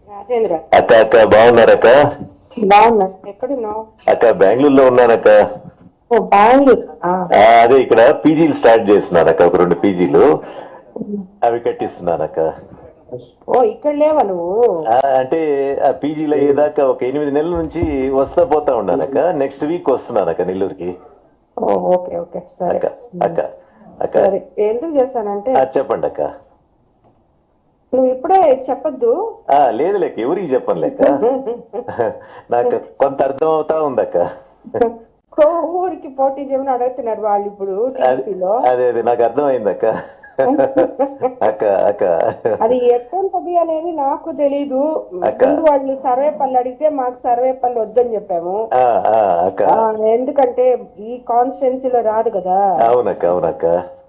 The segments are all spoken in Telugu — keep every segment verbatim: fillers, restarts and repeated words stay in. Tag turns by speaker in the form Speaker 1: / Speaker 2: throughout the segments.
Speaker 1: రాజేంద్ర.
Speaker 2: అక్క అక్క బాగున్నారక్క?
Speaker 1: బాగున్నా. ఎక్కడున్నావు?
Speaker 2: అక్క బెంగళూరులో ఉన్నానక్క.
Speaker 1: ఓ బెంగళూరు.
Speaker 2: ఆ, అదే ఇక్కడ పీజీలు స్టార్ట్ చేస్తున్నానక్క, ఒక రెండు పీజీలు అవి కట్టిస్తున్నానక్క.
Speaker 1: ఓ ఇక్కడ లేవా నువ్వు?
Speaker 2: ఆ, అంటే ఆ పీజీలు అయ్యేదాకా ఒక ఎనిమిది నెలల నుంచి వస్తా పోతా ఉన్నానక్క. నెక్స్ట్ వీక్ వస్తున్నానక్క నెల్లూరుకి.
Speaker 1: ఓ ఓకే ఓకే సరే
Speaker 2: అక్క అక్క అక్క
Speaker 1: సరే. ఎందుకు చేశానంటే
Speaker 2: ఆ, చెప్పండి అక్క.
Speaker 1: నువ్వు ఇప్పుడే చెప్పొద్దు.
Speaker 2: ఆ, లేదు లేక ఎవరికి చెప్పను లేక నాకు కొంత అర్థం అవుతా ఉందక్క.
Speaker 1: కో ఊరికి పోటీ చేయమని అడుగుతున్నారు వాళ్ళు ఇప్పుడు టీడీపీలో.
Speaker 2: అదే అదే నాకు అర్థమైందక్క. అక్క అక్క
Speaker 1: అది ఎట్టంతది అనేది నాకు తెలీదు. ముందు వాళ్ళు సర్వే పనులు అడిగితే మాకు సర్వే పనులు వద్దని చెప్పాము.
Speaker 2: ఆ, ఆ, అక్క
Speaker 1: ఎందుకంటే ఈ కాన్స్టిట్యున్సీలో రాదు కదా.
Speaker 2: అవునక్క అవునక్క.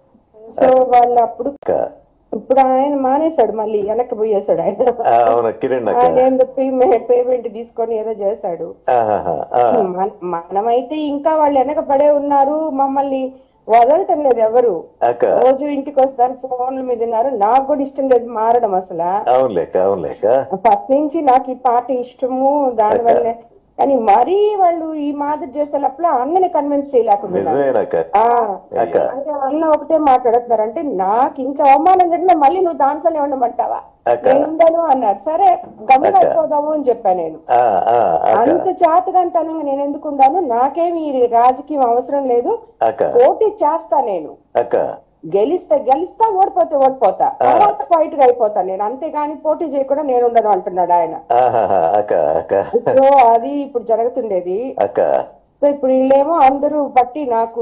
Speaker 1: సో వాళ్ళు అప్పుడు
Speaker 2: అక్క
Speaker 1: ఇప్పుడు ఆయన మానేశాడు, మళ్ళీ వెనక్కి పోయేశాడు ఆయన.
Speaker 2: ఆ, అవును కిరణ్ అక్క.
Speaker 1: ఆయన ఏం చెప్పి పేమెంట్ తీసుకొని ఏదో చేశాడు.
Speaker 2: ఆహాహా, ఆ,
Speaker 1: మన- మనమైతే ఇంకా వాళ్ళు వెనక పడే ఉన్నారు, మమ్మల్ని వదలటం లేదు ఎవరు.
Speaker 2: అక్క
Speaker 1: రోజు ఇంటికి వస్తారు, ఫోన్ల మీద ఉన్నారు. నాకు కూడా ఇష్టం లేదు మారడం అసలు.
Speaker 2: అవునులేక అవునులేక.
Speaker 1: ఫస్ట్ నుంచి నాకు ఈ పాట ఇష్టము, దానివల్ల. కానీ మరీ వాళ్ళు ఈ మాదిరి చేసేటప్పుడు అన్నని కన్విన్స్ చేయలేకుండా
Speaker 2: నిజమేనక్క. అక్క
Speaker 1: అంటే అన్న ఒకటే మాట్లాడుతున్నారు. అంటే నాకు ఇంకా అవమానం జరిగినా మళ్ళీ నువ్వు దాంట్లోనే ఉండమంటావా? నేను ఉండను అన్నారు. సరే గమ్మున అయిపోదాము అని చెప్పాను నేను.
Speaker 2: ఆ, ఆ, అక్క
Speaker 1: అంత చాతగాంతనంగా నేను ఎందుకు ఉండాను? నాకేమి ఈ రాజకీయం అవసరం లేదు,
Speaker 2: అక్క
Speaker 1: పోటీ చేస్తా నేను.
Speaker 2: అక్క
Speaker 1: గెలిస్తే గెలిస్తా, ఓడిపోతే ఓడిపోతా, తర్వాత ఫైట్ గా అయిపోతా నేను, అంతేగాని పోటీ చేయకుండా నేను ఉండను అంటున్నాడు ఆయన.
Speaker 2: ఆహాహా, అక్క అక్క
Speaker 1: సో అది ఇప్పుడు జరుగుతుండేది.
Speaker 2: అక్క
Speaker 1: సో ఇప్పుడు వీళ్ళేమో అందరూ బట్టి నాకు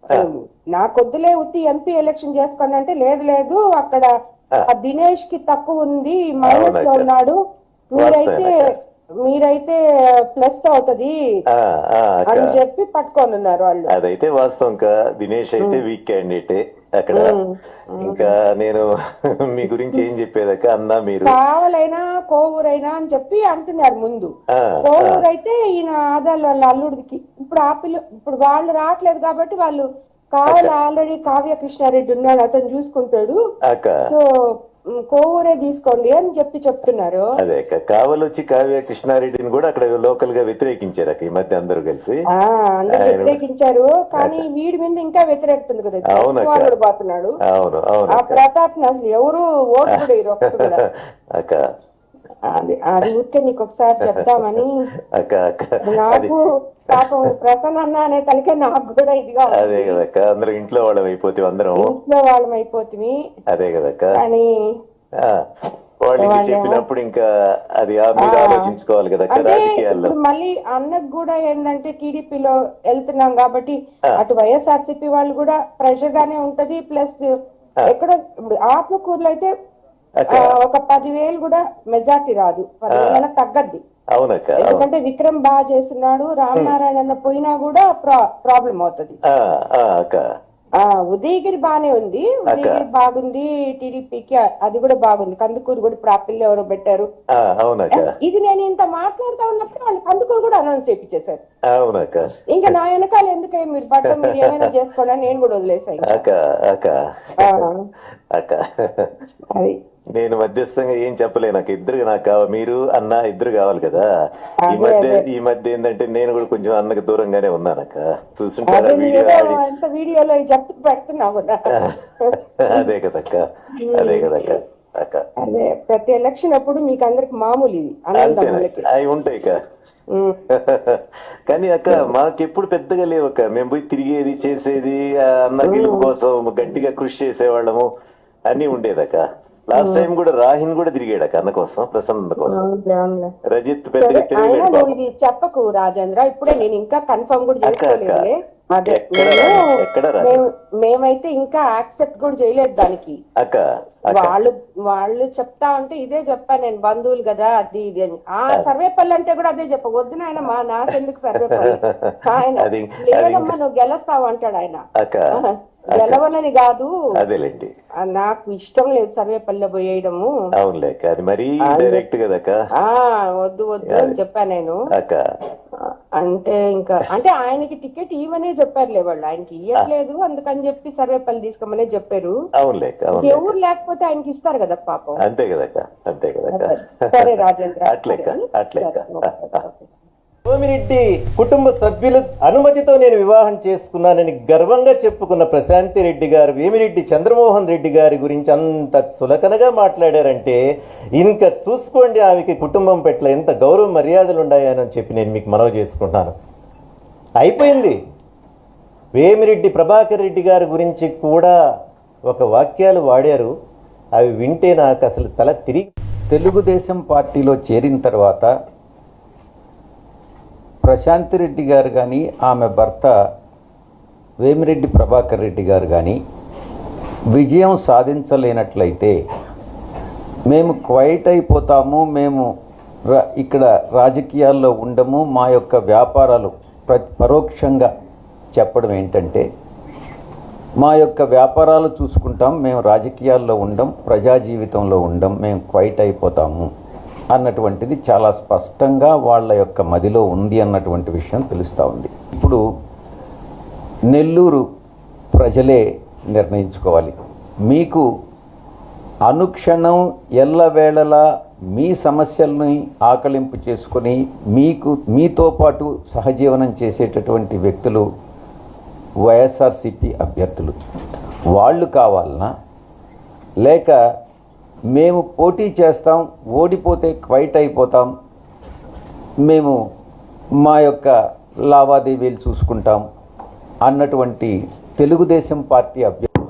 Speaker 1: నాకొద్దులే ఉత్తి ఎంపీ ఎలక్షన్ చేసుకోండి అంటే, లేదు లేదు అక్కడ ఆ దినేష్ కి తక్కువ ఉంది, మైనస్ లో ఉన్నాడు, మీరైతే మీరైతే ప్లస్ అవుతది
Speaker 2: ఆ, ఆ, అక్క
Speaker 1: అని చెప్పి పట్టుకొని ఉన్నారు వాళ్ళు.
Speaker 2: అదైతే వాస్తవం కా. దినేష్ అయితే వీక్ క్యాండిడేటే అక్కడ. ఇంకా నేను మీ గురించి ఏం చెప్పేదక్క, అన్నా మీరు
Speaker 1: కావాలైనా కోవూరైనా అని చెప్పి అంటున్నారు ముందు.
Speaker 2: ఆ,
Speaker 1: కోవూరు అయితే ఈయన ఆదాలు వాళ్ళ అల్లుడికి ఇప్పుడు ఆ పిల్ల ఇప్పుడు వాళ్ళు రావట్లేదు కాబట్టి వాళ్ళు కావాలి. ఆల్రెడీ కావ్య కృష్ణారెడ్డి ఉన్నాడు, అతను చూసుకుంటాడు.
Speaker 2: అక్క
Speaker 1: సో కోవూరే తీసుకోండి అని చెప్పి చెప్తున్నారు.
Speaker 2: అదే అక్క. కావలొచ్చి కావ్య కృష్ణారెడ్డిని కూడా అక్కడ లోకల్ గా వ్యతిరేకించారు అక్క, ఈ మధ్య అందరూ కలిసి.
Speaker 1: ఆ అందరూ వ్యతిరేకించారు, కానీ వీడి మీద ఇంకా వ్యతిరేకుతుంది కదా. వాళ్ళు పోతున్నాడు.
Speaker 2: అవును అవును.
Speaker 1: ఆ ప్రతాప్ ని అసలు ఎవరు ఓటు కూడా ఇరు ఒక్కడు కూడా.
Speaker 2: అక్క
Speaker 1: అది అది ఊరికే నీకు ఒకసారి చెప్తామని.
Speaker 2: అక్క అక్క
Speaker 1: నాకు పాపం ప్రసన్న అన్న అనే తలకే నాకు కూడా ఇదిగా.
Speaker 2: అదే కదక్క, అందరూ ఇంట్లో వాళ్ళం అయిపోతే అందరం
Speaker 1: ఇంట్లో వాళ్ళం అయిపోతుంది.
Speaker 2: అదే కదక్క.
Speaker 1: కానీ
Speaker 2: వాళ్ళకి చెప్పినప్పుడు ఇంకా అది మీరు ఆలోచించుకోవాలి కదక్క రాజకీయాల్లో.
Speaker 1: మళ్ళీ అన్నకు కూడా ఏంటంటే టీడీపీలో వెళ్తున్నాం కాబట్టి అటు వైఎస్ఆర్సీపీ వాళ్ళు కూడా ప్రెషర్ గానే ఉంటది. ప్లస్ ఎక్కడో ఇప్పుడు ఆత్మకూరులో అయితే ఒక పదివేలు కూడా మెజార్టీ రాదు, పదివేల తగ్గద్ది.
Speaker 2: అవునక్క.
Speaker 1: ఎందుకంటే విక్రమ్ బాగా చేస్తున్నాడు, రామనారాయణ పోయినా కూడా ప్రాబ్లం అవుతుంది. ఆ ఉదయగిరి బానే ఉంది, ఉదయగిరి బాగుంది టీడీపీకి, అది కూడా బాగుంది. కందుకూరు కూడా ఇప్పుడు ఆ పిల్ల ఎవరో పెట్టారు. ఇది నేను ఇంత మాట్లాడుతా ఉన్నప్పుడు వాళ్ళు కందుకూరు కూడా అనౌన్స్ చేయించేశారు. ఇంకా నా వెనకాల ఎందుకే మీరు పట్టం మీరు ఏమైనా చేసుకోండి అని నేను కూడా వదిలేసాను. అది
Speaker 2: నేను మధ్యస్థంగా ఏం చెప్పలే, నాకు ఇద్దరు నాకు కావాలి, మీరు అన్న ఇద్దరు కావాలి కదా. ఈ మధ్య ఈ మధ్య ఏంటంటే నేను కూడా కొంచెం అన్నకు దూరంగానే ఉన్నానక్క. చూసుంటారా
Speaker 1: వీడియోలో చెప్తూ పెడుతున్నావు కదా.
Speaker 2: అదే కదక్క అదే కదక్క అక్క.
Speaker 1: అదే ప్రతి ఎలక్షన్ అప్పుడు మీకు అందరికి మామూలు ఇది
Speaker 2: అవి ఉంటాయి అక్క. కానీ అక్క మాకెప్పుడు పెద్దగా లేవక్క. మేము పోయి తిరిగేది చేసేది, అన్న గెలుపు కోసం గట్టిగా కృషి చేసేవాళ్ళము అన్ని ఉండేదక్క. లాస్ట్ టైం కూడా రాహిన్ కూడా తిరిగాడు అన్న కోసం, ప్రసన్న కోసం. రజిత్ పెద్దగా
Speaker 1: ఇది చెప్పకు రాజేంద్ర, ఇప్పుడే నేను ఇంకా కన్ఫర్మ్ కూడా చేసుకోలేదు. అదే మేమైతే ఇంకా యాక్సెప్ట్ కూడా చేయలేదు దానికి. వాళ్ళు వాళ్ళు చెప్తా ఉంటే ఇదే చెప్పాను నేను, బంధువులు కదా అది ఇది అని. ఆ సర్వేపల్లి అంటే కూడా అదే చెప్ప, వద్దు నాయన మా నాకెందుకు సర్వేపల్లి, ఆయన లేదమ్మా నువ్వు గెలుస్తావు అంటాడు ఆయన. గెలవనని కాదు, నాకు ఇష్టం లేదు సర్వేపల్లి పోయేయడము.
Speaker 2: అవునులేక, అది మరీ డైరెక్ట్ కదా.
Speaker 1: వద్దు వద్దు అని చెప్పా నేను. అంటే ఇంకా అంటే ఆయనకి టికెట్ ఇవ్వనే చెప్పారులే వాళ్ళు, ఆయనకి ఇవ్వట్లేదు అందుకని చెప్పి సర్వేపల్లి తీసుకోమనే చెప్పారు. ఎవరు లేకపోతే ఆయనకి ఇస్తారు కదా పాపం.
Speaker 2: అంతే కదక్క, అంతే కదక్క.
Speaker 1: సరే రాజేంద్ర,
Speaker 2: అట్లెక్క అట్లెక్క.
Speaker 3: సోమిరెడ్డి కుటుంబ సభ్యుల అనుమతితో నేను వివాహం చేసుకున్నానని గర్వంగా చెప్పుకున్న ప్రశాంతి రెడ్డి గారు వేమిరెడ్డి చంద్రమోహన్ రెడ్డి గారి గురించి అంత సులకనగా మాట్లాడారంటే ఇంకా చూసుకోండి ఆమెకి కుటుంబం పట్ల ఎంత గౌరవ మర్యాదలు ఉన్నాయని చెప్పి నేను మీకు మనవి చేసుకుంటున్నాను. అయిపోయింది. వేమిరెడ్డి ప్రభాకర్ రెడ్డి గారి గురించి కూడా ఒక వాక్యాలు వాడారు, అవి వింటే నాకు అసలు తల తిరిగి.
Speaker 4: తెలుగుదేశం పార్టీలో చేరిన తర్వాత ప్రశాంతి రెడ్డి గారు కానీ ఆమె భర్త వేమిరెడ్డి ప్రభాకర్ రెడ్డి గారు కానీ విజయం సాధించలేనట్లయితే మేము క్వైట్ అయిపోతాము, మేము ఇక్కడ రాజకీయాల్లో ఉండము, మా యొక్క వ్యాపారాలు ప్ర పరోక్షంగా చెప్పడం ఏంటంటే మా యొక్క వ్యాపారాలు చూసుకుంటాం, మేము రాజకీయాల్లో ఉండం, ప్రజా జీవితంలో ఉండం, మేము క్వైట్ అయిపోతాము అన్నటువంటిది చాలా స్పష్టంగా వాళ్ళ యొక్క మదిలో ఉంది అన్నటువంటి విషయం తెలుస్తూ ఉంది. ఇప్పుడు నెల్లూరు ప్రజలే నిర్ణయించుకోవాలి. మీకు అనుక్షణం ఎల్లవేళలా మీ సమస్యల్ని ఆకలింపు చేసుకొని మీకు మీతో పాటు సహజీవనం చేసేటటువంటి వ్యక్తులు వైఎస్ఆర్సీపీ అభ్యర్థులు. వాళ్ళు కావాలనా, లేక మేము పోటీ చేస్తాం, ఓడిపోతే క్వైట్ అయిపోతాం, మేము మా యొక్క లావాదేవీలు చూసుకుంటాం అన్నటువంటి తెలుగుదేశం పార్టీ అభ్యర్థి.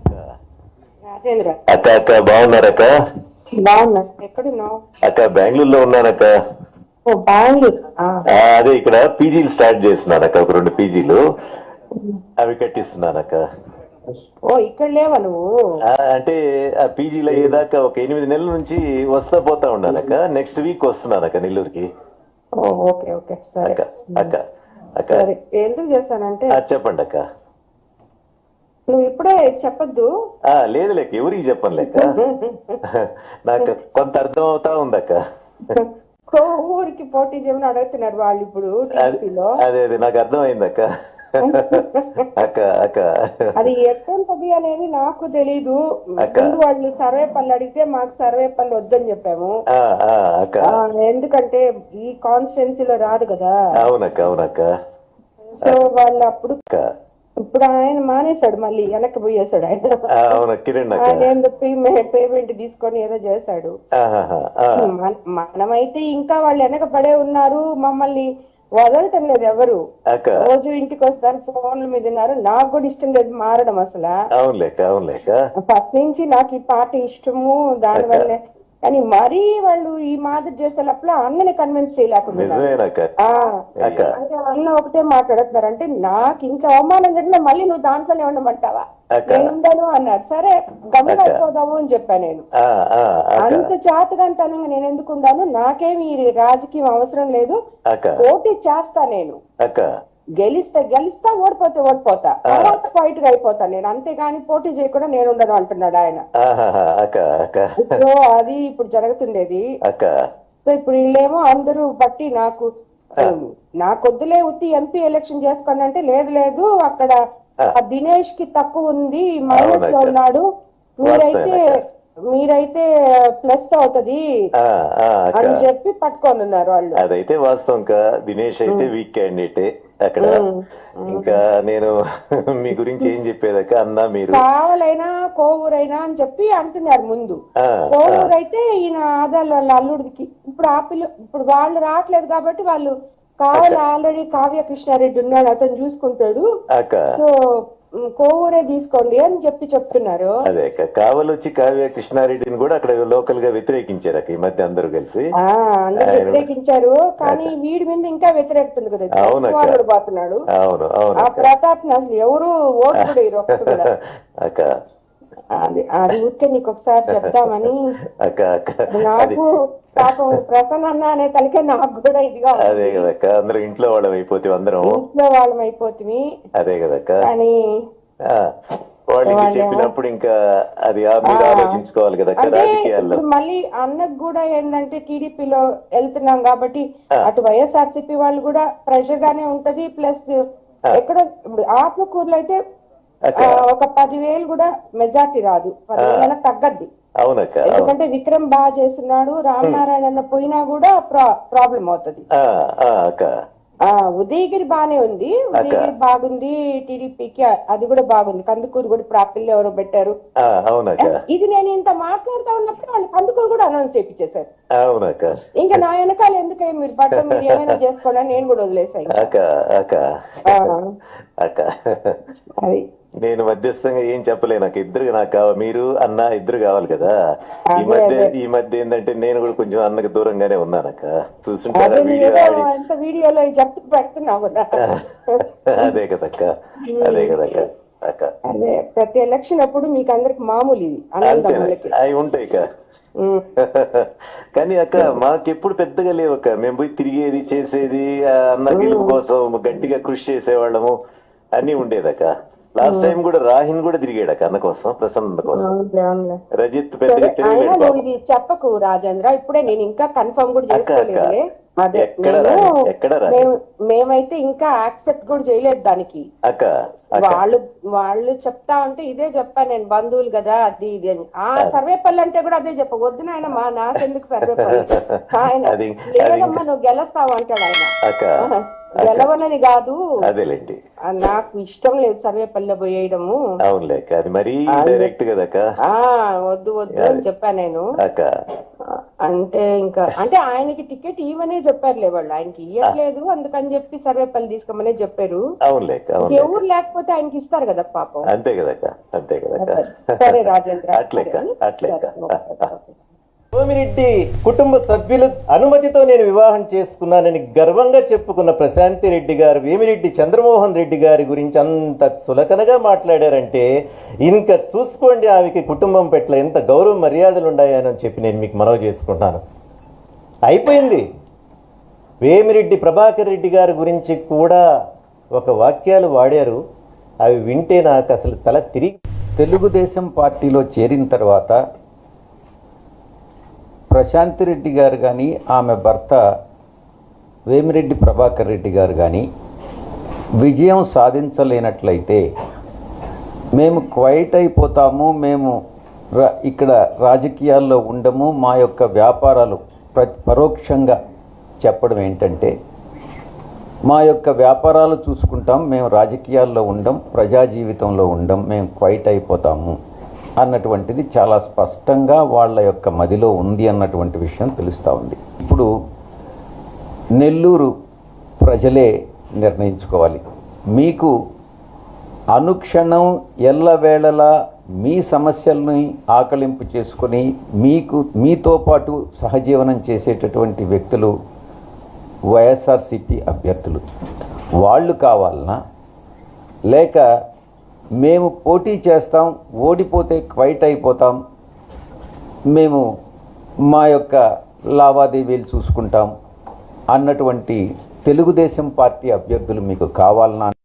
Speaker 2: అక్క అక్క బాగున్నారక్క?
Speaker 1: బాగున్నా. ఎక్కడున్నావు?
Speaker 2: అక్క బెంగళూరులో ఉన్నానక్క.
Speaker 1: బెంగళూరు.
Speaker 2: అదే ఇక్కడ పీజీలు స్టార్ట్ చేస్తున్నానక్క, ఒక రెండు పీజీలు అవి కట్టిస్తున్నానక్క.
Speaker 1: ఓ ఇక్కడ లేవా నువ్వు?
Speaker 2: అంటే ఆ పీజీలో అయ్యేదాకా ఒక ఎనిమిది నెలల నుంచి వస్తా పోతా ఉన్నానక్క. నెక్స్ట్ వీక్ వస్తున్నానక్క నెల్లూరుకి.
Speaker 1: ఓకే ఓకే సరే
Speaker 2: అక్క అక్క అక్క
Speaker 1: ఎందుకు చేశానంటే
Speaker 2: చెప్పండి అక్క.
Speaker 1: నువ్వు ఇప్పుడే చెప్పద్దు.
Speaker 2: లేదు లేక ఎవరికి చెప్పను లేక నాకు కొంత అర్థం అవుతా ఉందక్క.
Speaker 1: ఊరికి పోటీ చేయమని అడుగుతున్నారు వాళ్ళు ఇప్పుడు.
Speaker 2: అదే అదే నాకు అర్థమైందక్క. అక్క అక్క
Speaker 1: అది ఎట్టుంటది అనేది నాకు తెలీదు. వాళ్ళు సర్వేపల్లి అడిగితే మాకు సర్వేపల్లి వద్దని చెప్పాము, ఎందుకంటే ఈ కాన్స్టిట్యున్సీలో రాదు కదా.
Speaker 2: అవునక్క అవునక్క.
Speaker 1: సో వాళ్ళు అప్పుడు ఇప్పుడు ఆయన మానేశాడు, మళ్ళీ వెనక్కి పోయేసాడు ఆయన. ఆయన పేమెంట్ తీసుకొని ఏదో చేశాడు. మనమైతే ఇంకా వాళ్ళు వెనక పడే ఉన్నారు, మమ్మల్ని వదలటం లేదు ఎవరు. రోజు ఇంటికి వస్తారు, ఫోన్ల మీద ఉన్నారు. నాకు కూడా ఇష్టం లేదు మారడం అసలు. ఫస్ట్ నుంచి నాకు ఈ పాట ఇష్టము, దాని వల్లే. కానీ మరీ వాళ్ళు ఈ మాదిరి చేసే లోపల అన్నని కన్విన్స్ చేయలేకుండా అన్న ఒకటే మాట్లాడుతున్నారు. అంటే నాకు ఇంకా అవమానం జరిగినా మళ్ళీ నువ్వు దాంట్లోనే ఉండమంటావా? నేను ఉండను అన్నారు. సరే గమ్మున అయిపోదాము అని చెప్పాను నేను. అంత చాతగాంతనంగా నేను ఎందుకు ఉండాను? నాకేమి రాజకీయం అవసరం లేదు, పోటీ చేస్తా నేను. గెలిస్తే గెలిస్తా, ఓడిపోతే ఓడిపోతా, తర్వాత ఫైట్ గా అయిపోతా నేను, అంతేగాని పోటీ చేయకుండా నేను ఉండను అంటున్నాడు ఆయన. సో అది ఇప్పుడు జరుగుతుండేది. సో ఇప్పుడు వీళ్ళేమో అందరూ బట్టి నాకు నాకొద్దులే ఉత్తి ఎంపీ ఎలక్షన్ చేసుకోండి అంటే, లేదు లేదు అక్కడ దినేష్ కి తక్కువ ఉంది, మైనస్ లో ఉన్నాడు, మీరైతే మీరైతే ప్లస్ అవుతది అని చెప్పి పట్టుకొని ఉన్నారు వాళ్ళు.
Speaker 2: అదైతే వాస్తవం. దినేష్ అయితే వీక్ క్యాండిడేటే అక్కడ. ఇంకా నేను మీ గురించి ఏం చెప్పేదాక అన్నా, మీరు
Speaker 1: కావాలైనా కోవూరైనా అని చెప్పి అంటున్నారు ముందు. కోవూరు అయితే ఈయన ఆదాలు వాళ్ళ అల్లుడికి ఇప్పుడు ఆ పిల్ల ఇప్పుడు వాళ్ళు రావట్లేదు కాబట్టి వాళ్ళు కావాలి, ఆల్రెడీ కావ్య కృష్ణారెడ్డి ఉన్నాడు, అతను చూసుకుంటాడు, సో కోవూరే తీసుకోండి అని చెప్పి చెప్తున్నారు.
Speaker 2: అదే కావాలి వచ్చి కావ్య కృష్ణారెడ్డిని కూడా అక్కడ లోకల్ గా వ్యతిరేకించారు ఈ మధ్య అందరూ కలిసి.
Speaker 1: అందరూ వ్యతిరేకించారు, కానీ వీడి మీద ఇంకా వ్యతిరేకుతుంది కదా, పోతున్నాడు.
Speaker 2: అవును అవును.
Speaker 1: ఆ ప్రతాప్ అసలు ఎవరు ఓటు కూడా ఇరు ఒక్కడు కూడా. అది అది ఊరికే నీకు ఒకసారి చెప్తామని. నాకు పాపం ప్రసన్న అన్న అనే తలకే నాకు కూడా ఇదిగా.
Speaker 2: అదే కదక్క, అందరూ ఇంట్లో వాళ్ళం అయిపోతే, అందరం
Speaker 1: ఇంట్లో వాళ్ళం అయిపోతుంది.
Speaker 2: అదే కదక్క.
Speaker 1: కానీ
Speaker 2: వాళ్ళకి
Speaker 1: వాళ్ళేమో-
Speaker 2: చెప్పినప్పుడు ఇంకా అది ఆ మీరు ఆలోచించుకోవాలి కదా అక్క
Speaker 1: అంటే
Speaker 2: రాజకీయాల్లో.
Speaker 1: ఇప్పుడు మళ్ళీ అన్నకు కూడా ఏంటంటే టీడీపీలో వెళ్తున్నాం కాబట్టి అటు వైఎస్ఆర్సీపీ వాళ్ళు కూడా ప్రెషర్ గానే ఉంటది. ప్లస్ ఎక్కడో ఇప్పుడు ఆత్మకూరులో అయితే ఆ, ఒక పదివేలు కూడా మెజార్టీ రాదు, పదివేల తగ్గద్ది.
Speaker 2: అవునక్క అవును.
Speaker 1: ఎందుకంటే విక్రమ్ బాగా చేస్తున్నాడు, రామనారాయణ అన్న పోయినా కూడా ప్రాబ్లం అవుతుంది.
Speaker 2: ఆ, ఆ, అక్క
Speaker 1: ఆ ఉదయగిరి బానే ఉంది, ఉదయగిరి బాగుంది టీడీపీకి, అది కూడా బాగుంది. కందుకూరు కూడా ఇప్పుడు ఆ పిల్ల ఎవరో పెట్టారు.
Speaker 2: ఆ, అవునక్క
Speaker 1: ఇది నేను ఇంత మాట్లాడుతా ఉన్నప్పుడు వాళ్ళు కందుకూరు కూడా అనౌన్స్ చేయించేశారు.
Speaker 2: అవునక్క
Speaker 1: ఇంకా నా వెనకాల ఎందుకే మీరు పట్టం మీరు ఏమైనా చేసుకోండి అని నేను కూడా వదిలేసాను.
Speaker 2: అక్క అక్క అక్క
Speaker 1: అది
Speaker 2: నేను మధ్యస్థంగా ఏం చెప్పలేను నాకు. ఇద్దరు నాకు కావాలి, మీరు అన్న ఇద్దరు కావాలి కదా. ఈ
Speaker 1: అదే,
Speaker 2: మధ్య
Speaker 1: అదే.
Speaker 2: ఈ మధ్య ఏంటంటే నేను కూడా కొంచెం అన్నకు దూరంగానే ఉన్నానక్క. చూస్తుంటారా
Speaker 1: అదే
Speaker 2: వీడియో
Speaker 1: నువ్వేదో
Speaker 2: ఆడి
Speaker 1: అంత వీడియోలో చెప్తూ పెడుతున్నావు కదా.
Speaker 2: అదే కదక్క అదే కదక్క అక్క.
Speaker 1: అదే ప్రతి ఎలక్షన్ అప్పుడు మీకు అందరికి మామూలు ఇది అన్నదమ్ములకి.
Speaker 2: అంతేనా అవి ఉంటాయి అక్క.
Speaker 1: ఉమ్.
Speaker 2: కానీ అక్క మాకెప్పుడు పెద్దగా లేవు అక్క. మేము పోయి తిరిగేది చేసేది ఆ అన్న గెలుపు కోసం గట్టిగా కృషి చేసేవాళ్ళము అన్ని ఉండేదక్క. లాస్ట్ టైం కూడా రాహిన్ కూడా తిరిగాడక్క అన్న కోసం, ప్రసన్న కోసం.
Speaker 1: అవునులే, అవునులే.
Speaker 2: రజిత్ పెద్దగా
Speaker 1: అయినా
Speaker 2: తిరిగలేడు
Speaker 1: నువ్వు
Speaker 2: బాబు.
Speaker 1: ఇది చెప్పకు రాజేంద్ర, ఇప్పుడే నేను ఇంకా కన్ఫర్మ్ కూడా
Speaker 2: అక్క, అక్క.
Speaker 1: చేసుకోలేదులే. అదే
Speaker 2: ఎక్కడ
Speaker 1: నేను
Speaker 2: రాని, ఎక్కడ రాని.
Speaker 1: మేము- మేమైతే ఇంకా యాక్సెప్ట్ కూడా చేయలేదు దానికి.
Speaker 2: అక్క అక్క
Speaker 1: వాళ్ళు వాళ్ళు చెప్తా ఉంటే ఇదే చెప్పాను నేను, బంధువులు కదా అది ఇది అని. ఆ సర్వేపల్లి అంటే కూడా అదే చెప్ప, వద్దు నాయన మా నాకెందుకు సర్వేపల్లి, ఆయన
Speaker 2: అది
Speaker 1: లేదమ్మా నువ్వు గెలుస్తావు అంటాడు ఆయన.
Speaker 2: అక్క
Speaker 1: గెలవనని కాదు,
Speaker 2: అదేలేండి.
Speaker 1: ఆ, నాకు ఇష్టం లేదు సర్వేపల్లి పోయేయడము.
Speaker 2: అవునులే అక్క, అది మరీ డైరెక్ట్ కదక్క.
Speaker 1: ఆ వద్దు వద్దు అని చెప్పా నేను.
Speaker 2: అక్క
Speaker 1: అంటే ఇంకా అంటే ఆయనకి టికెట్ ఇవ్వనే చెప్పారులే వాళ్ళు, ఆయనకి ఇవ్వట్లేదు అందుకని చెప్పి సర్వేపల్లి తీసుకోమనే చెప్పారు.
Speaker 2: అవునులే అక్క అవునులే అక్క.
Speaker 1: ఎవరు లేకపోతే ఆయనకి ఇస్తారు కదా పాపం.
Speaker 2: అంతే కదక్క అంతే కదక్క.
Speaker 1: సరే రాజేంద్ర,
Speaker 2: అట్లెక్క అట్లెక్క.
Speaker 3: సోమిరెడ్డి కుటుంబ సభ్యుల అనుమతితో నేను వివాహం చేసుకున్నానని గర్వంగా చెప్పుకున్న ప్రశాంతి రెడ్డి గారు వేమిరెడ్డి చంద్రమోహన్ రెడ్డి గారి గురించి అంత సులకనగా మాట్లాడారంటే ఇంకా చూసుకోండి ఆమెకి కుటుంబం పట్ల ఎంత గౌరవ మర్యాదలు ఉన్నాయని చెప్పి నేను మీకు మనవి చేసుకుంటున్నాను. అయిపోయింది. వేమిరెడ్డి ప్రభాకర్ రెడ్డి గారి గురించి కూడా ఒక వాక్యాలు వాడారు, అవి వింటే నాకు అసలు తల తిరిగి.
Speaker 4: తెలుగుదేశం పార్టీలో చేరిన తర్వాత ప్రశాంతి రెడ్డి గారు కానీ ఆమె భర్త వేమిరెడ్డి ప్రభాకర్ రెడ్డి గారు కానీ విజయం సాధించలేనట్లయితే మేము క్వైట్ అయిపోతాము, మేము ర- ఇక్కడ రాజకీయాల్లో ఉండము, మా యొక్క వ్యాపారాలు ప్ర పరోక్షంగా చెప్పడం ఏంటంటే మా యొక్క వ్యాపారాలు చూసుకుంటాం, మేము రాజకీయాల్లో ఉండం, ప్రజా జీవితంలో ఉండం, మేము క్వైట్ అయిపోతాము అన్నటువంటిది చాలా స్పష్టంగా వాళ్ళ యొక్క మదిలో ఉంది అన్నటువంటి విషయం తెలుస్తూ ఉంది. ఇప్పుడు నెల్లూరు ప్రజలే నిర్ణయించుకోవాలి. మీకు అనుక్షణం ఎల్లవేళలా మీ సమస్యల్ని ఆకలింపు చేసుకొని మీకు మీతో పాటు సహజీవనం చేసేటటువంటి వ్యక్తులు వైఎస్ఆర్సీపీ అభ్యర్థులు. వాళ్ళు కావాలనా, లేక మేము పోటీ చేస్తాం, ఓడిపోతే క్వైట్ అయిపోతాం, మేము మా యొక్క లావాదేవీలు చూసుకుంటాం అన్నటువంటి తెలుగుదేశం పార్టీ అభ్యర్థులు మీకు కావాలనా?